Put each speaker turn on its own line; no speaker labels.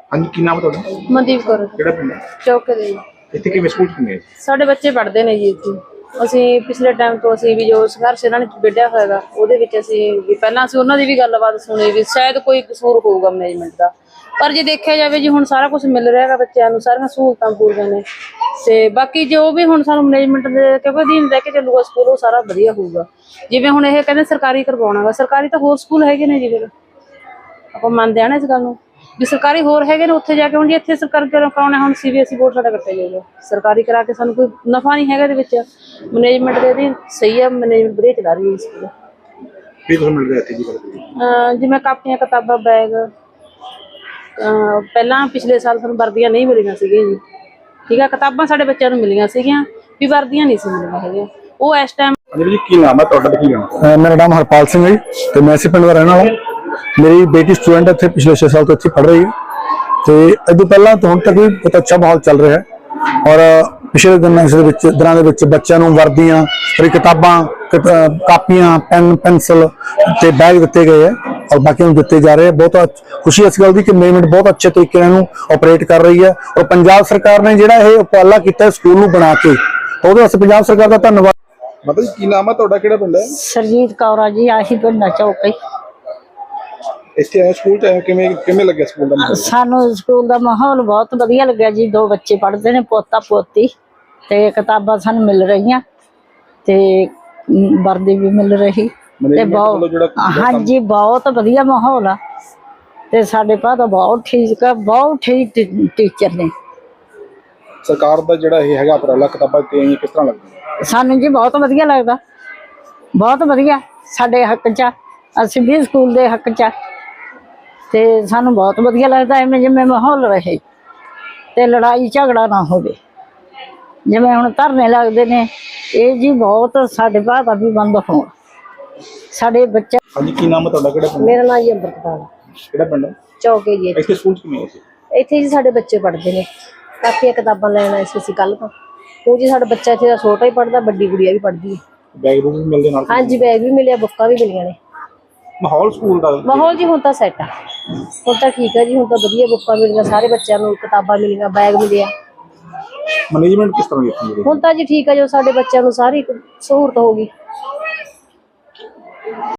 हाँ जी, की नाम है ਤੁਹਾਡਾ?
ਮਨਦੀਪ ਕੌਰ
ਕਿਹੜਾ ਪਿੰਡ ਹੈ?
ਚੌਕੇ ਦੇ ਜੀ।
ਇੱਥੇ ਕਿਵੇਂ ਸਕੂਲ ਕਿਵੇਂ?
ਸਾਡੇ ਬੱਚੇ ਪੜ੍ਹਦੇ ਨੇ ਜੀ ਇੱਥੇ। ਅਸੀਂ ਪਿਛਲੇ ਟਾਈਮ ਤੋਂ ਅਸੀਂ ਵੀ ਜੋ ਸੰਘਰਸ਼ ਇਹਨਾਂ ਨੇ ਵਿੱਢਿਆ ਹੋਏਗਾ ਉਹਦੇ ਵਿੱਚ ਅਸੀਂ ਵੀ ਪਹਿਲਾਂ ਅਸੀਂ ਉਹਨਾਂ ਦੀ ਵੀ ਗੱਲਬਾਤ ਸੁਣੀ ਵੀ ਸ਼ਾਇਦ ਕੋਈ ਕਸੂਰ ਹੋਊਗਾ ਮੈਨੇਜਮੈਂਟ ਦਾ, ਪਰ ਜੇ ਦੇਖਿਆ ਜਾਵੇ ਜੀ ਹੁਣ ਸਾਰਾ ਕੁਝ ਮਿਲ ਰਿਹਾ ਹੈਗਾ ਬੱਚਿਆਂ ਨੂੰ, ਸਾਰੀਆਂ ਸਹੂਲਤਾਂ ਪੂਰੀਆਂ ਨੇ ਤੇ ਬਾਕੀ ਜੋ ਵੀ ਹੁਣ ਸਾਨੂੰ ਮੈਨੇਜਮੈਂਟ ਦੇ ਕਿਉਂਕਿ ਅਧੀਨ ਰਹਿ ਕੇ ਚੱਲੂਗਾ ਸਕੂਲ ਉਹ ਸਾਰਾ ਵਧੀਆ ਹੋਊਗਾ। ਜਿਵੇਂ ਹੁਣ ਇਹ ਕਹਿੰਦੇ ਸਰਕਾਰੀ ਕਰਵਾਉਣਾਗਾ, ਸਰਕਾਰੀ ਤਾਂ ਹੋਰ ਸਕੂਲ ਹੈਗੇ ਨੇ ਜੀ, ਫਿਰ ਆਪਾਂ ਮੰਨਦੇ ਆ ਨਾ ਇਸ ਗੱਲ ਨੂੰ ਵੀ ਸਰਕਾਰੀ ਹੋਰ ਹੈਗੇ ਨੇ ਉੱਥੇ ਜਾ ਕੇ। ਹੁਣ ਜੀ ਇੱਥੇ ਸਰਕਾਰੀ ਕਰਾਉਣਾ, ਹੁਣ CBSE ਬੋਰਡ ਸਾਡਾ ਕੱਟਿਆ ਜਾਊਗਾ, ਸਰਕਾਰੀ ਕਰਾ ਕੇ ਸਾਨੂੰ ਕੋਈ ਨਫਾ ਨਹੀਂ ਹੈਗਾ ਇਹਦੇ ਵਿੱਚ। ਮੈਨੇਜਮੈਂਟ ਦੇ ਵੀ ਸਹੀ ਹੈ, ਮੈਨੇਜਮੈਂਟ ਵਧੀਆ ਚਲਾ ਰਹੀ ਹੈ ਸਕੂਲ।
ਕੀ ਤੁਹਾਨੂੰ ਮਿਲ ਰਿਹਾ ਇੱਥੇ ਜੀ?
ਜਿਵੇਂ ਕਾਪੀਆਂ ਕਿਤਾਬਾਂ ਬੈਗ, ਪਹਿਲਾਂ ਪਿਛਲੇ ਸਾਲ ਸਾਨੂੰ ਵਰਦੀਆਂ ਨਹੀਂ ਮਿਲੀਆਂ ਸੀਗੀਆਂ ਜੀ, ਠੀਕ ਹੈ, ਕਿਤਾਬਾਂ ਸਾਡੇ ਬੱਚਿਆਂ ਨੂੰ ਮਿਲੀਆਂ ਸੀਗੀਆਂ ਵੀ ਵਰਦੀਆਂ ਨਹੀਂ ਸੀ ਮਿਲੀਆਂ ਹੈਗੀਆਂ ਉਹ ਇਸ ਟਾਈਮ।
ਜੀ ਕੀ ਨਾਮ ਹੈ ਤੁਹਾਡਾ ਤੇ ਕੀ ਨਾਮ?
ਮੇਰਾ ਨਾਮ ਹਰਪਾਲ ਸਿੰਘ ਹੈ ਜੀ ਤੇ ਮੈਂ ਇਸੇ ਪਿੰਡ ਦਾ ਰਹਿਣ ਵਾਲਾ। ਮੇਰੀ ਬੇਟੀ ਸਟੂਡੈਂਟ ਇੱਥੇ ਪਿਛਲੇ 6 ਸਾਲ ਤੋਂ ਇੱਥੇ ਪੜ੍ਹ ਰਹੀ ਹੈ ਤੇ ਇਹਦੇ ਪਹਿਲਾਂ ਤੋਂ ਹੁਣ ਤੱਕ ਵੀ ਬਹੁਤ ਅੱਛਾ ਮਾਹੌਲ ਚੱਲ ਰਿਹਾ ਹੈ ਔਰ ਪਿਛਲੇ ਦਿਨਾਂ ਦੇ ਵਿੱਚ ਬੱਚਿਆਂ ਨੂੰ ਵਰਦੀਆਂ, ਕਿਤਾਬਾਂ, ਕਾਪੀਆਂ, ਪੈਨ, ਪੈਨਸਿਲ ਤੇ ਬੈਗ ਦਿੱਤੇ ਗਏ ਹੈ ਔਰ ਬਾਕੀ ਨੂੰ ਦਿੱਤੇ ਜਾ ਰਹੇ ਹੈ। ਬਹੁਤ ਖੁਸ਼ੀ ਇਸ ਗੱਲ ਦੀ ਕਿ ਮੈਨੇਜਮੈਂਟ ਬਹੁਤ ਅੱਛੇ ਤਰੀਕੇ ਨਾਲ ਇਹਨੂੰ ਆਪਰੇਟ ਕਰ ਰਹੀ ਹੈ ਔਰ ਪੰਜਾਬ ਸਰਕਾਰ ਨੇ ਜਿਹੜਾ ਇਹ ਉਪਰਾਲਾ ਕੀਤਾ ਸਕੂਲ ਨੂੰ ਬਣਾ ਕੇ, ਉਹਦੇ ਵਾਸਤੇ ਪੰਜਾਬ ਸਰਕਾਰ ਦਾ ਧੰਨਵਾਦ।
ਮਾਤਾ ਜੀ ਕੀ ਨਾਮ ਹੈ ਤੁਹਾਡਾ? ਕਿਹੜਾ ਪਿੰਡ ਹੈ?
ਸਰਜੀਤ ਕੌਰ ਆ ਜੀ, ਆਹੀ ਪਿੰਡ ਚੌਕੇ।
ਇੱਥੇ ਆਏ ਸਕੂਲ ਚ ਆਏ ਕਿਵੇਂ ਲੱਗਿਆ ਸਕੂਲ ਦਾ?
ਸਾਨੂੰ ਸਕੂਲ ਦਾ ਮਾਹੌਲ ਬਹੁਤ ਵਧੀਆ ਲੱਗਿਆ ਜੀ। 2 ਬੱਚੇ ਪੜ੍ਹਦੇ ਨੇ, ਪੋਤਾ ਪੋਤੀ, ਤੇ ਕਿਤਾਬਾਂ ਸਾਨੂੰ ਮਿਲ ਰਹੀਆਂ ਤੇ ਵਰਦੀ ਵੀ ਮਿਲ ਰਹੀ ਤੇ ਬਹੁਤ, ਹਾਂਜੀ ਬਹੁਤ ਵਧੀਆ ਮਾਹੌਲ ਆ ਤੇ ਸਾਡੇ ਭਾ ਤਾਂ ਬਹੁਤ ਠੀਕ ਆ, ਬਹੁਤ ਠੀਕ ਟੀਚਰ ਨੇ।
ਸਰਕਾਰ ਦਾ ਜਿਹੜਾ ਇਹ ਹੈਗਾ ਉਪਰਾਲਾ ਕਿਤਾਬਾਂ ਤੇ ਕਿਸ ਤਰ੍ਹਾਂ ਲੱਗਦਾ?
ਸਾਨੂੰ ਜੀ ਬਹੁਤ ਵਧੀਆ ਲੱਗਦਾ, ਬਹੁਤ ਵਧੀਆ, ਸਾਡੇ ਹੱਕ 'ਚ, ਅਸੀਂ ਵੀ ਸਕੂਲ ਦੇ ਹੱਕ 'ਚ ਤੇ ਸਾਨੂੰ ਬਹੁਤ ਵਧੀਆ ਲੱਗਦਾ ਐਵੇਂ ਜਿਵੇਂ ਮਾਹੌਲ ਰਹੇ ਤੇ ਲੜਾਈ ਝਗੜਾ ਨਾ ਹੋਵੇ। ਜਿਵੇਂ ਹੁਣ ਧਰਨੇ ਲੱਗਦੇ ਨੇ ਇਹ ਜੀ ਬਹੁਤ ਸਾਡੇ ਭਾਅ ਦਾ ਵੀ ਬੰਦ ਹੋਣ ਸਾਡੇ ਬੱਚੇ।
ਹਾਂਜੀ ਕੀ ਨਾਮ ਹੈ ਤੁਹਾਡਾ? ਕਿਹੜਾ ਪਿੰਡ?
ਮੇਰਾ ਨਾਮ ਜੀ ਅੰਮ੍ਰਿਤਪਾਲ।
ਕਿਹੜਾ ਪਿੰਡ ਹੈ?
ਚੌਕੇ ਜੀ।
ਇੱਥੇ ਸਕੂਲ ਚ ਕਿਵੇਂ ਹੈ?
ਇੱਥੇ ਜੀ ਸਾਡੇ ਬੱਚੇ ਪੜ੍ਹਦੇ ਨੇ, ਕਾਪੀਆਂ ਕਿਤਾਬਾਂ ਲੈਣ ਆਏ ਸੀ ਅਸੀਂ ਕੱਲ੍ਹ ਤੋਂ। ਉਹ ਜੀ ਸਾਡਾ ਬੱਚਾ ਇੱਥੇ ਦਾ ਛੋਟਾ ਹੀ ਪੜ੍ਹਦਾ, ਵੱਡੀ ਗੁੜੀਆ ਵੀ ਪੜ੍ਹਦੀ ਹੈ।
ਬੈਗ ਬੂਗ ਵੀ ਮਿਲਦੇ ਨਾਲ?
ਹਾਂਜੀ ਬੈਗ ਵੀ ਮਿਲਿਆ, ਬੁੱਕਾਂ ਵੀ ਮਿਲੀਆਂ ਨੇ।
ਮਾਹੌਲ ਸਕੂਲ ਦਾ?
ਮਾਹੌਲ ਜੀ ਹੁਣ ਤਾਂ ਸੈੱਟ ਆ, ਹੁਣ ਤਾਂ ਠੀਕ ਹੈ ਜੀ, ਹੁਣ ਤਾਂ ਵਧੀਆ ਬੁੱਕਾਂ ਮਿਲੀਆਂ, ਸਾਰੇ ਬੱਚਿਆਂ ਨੂੰ ਕਿਤਾਬਾਂ ਮਿਲੀਆਂ, ਬੈਗ ਮਿਲਿਆ।
ਮੈਨੇਜਮੈਂਟ ਕਿਸ ਤਰ੍ਹਾਂ ਦੀ?
ਹੁਣ ਤਾਂ ਜੀ ਠੀਕ ਹੈ, ਜੋ ਸਾਡੇ ਬੱਚਿਆਂ ਨੂੰ ਸਾਰੀ ਸਹੂਲਤ ਹੋ ਗਈ।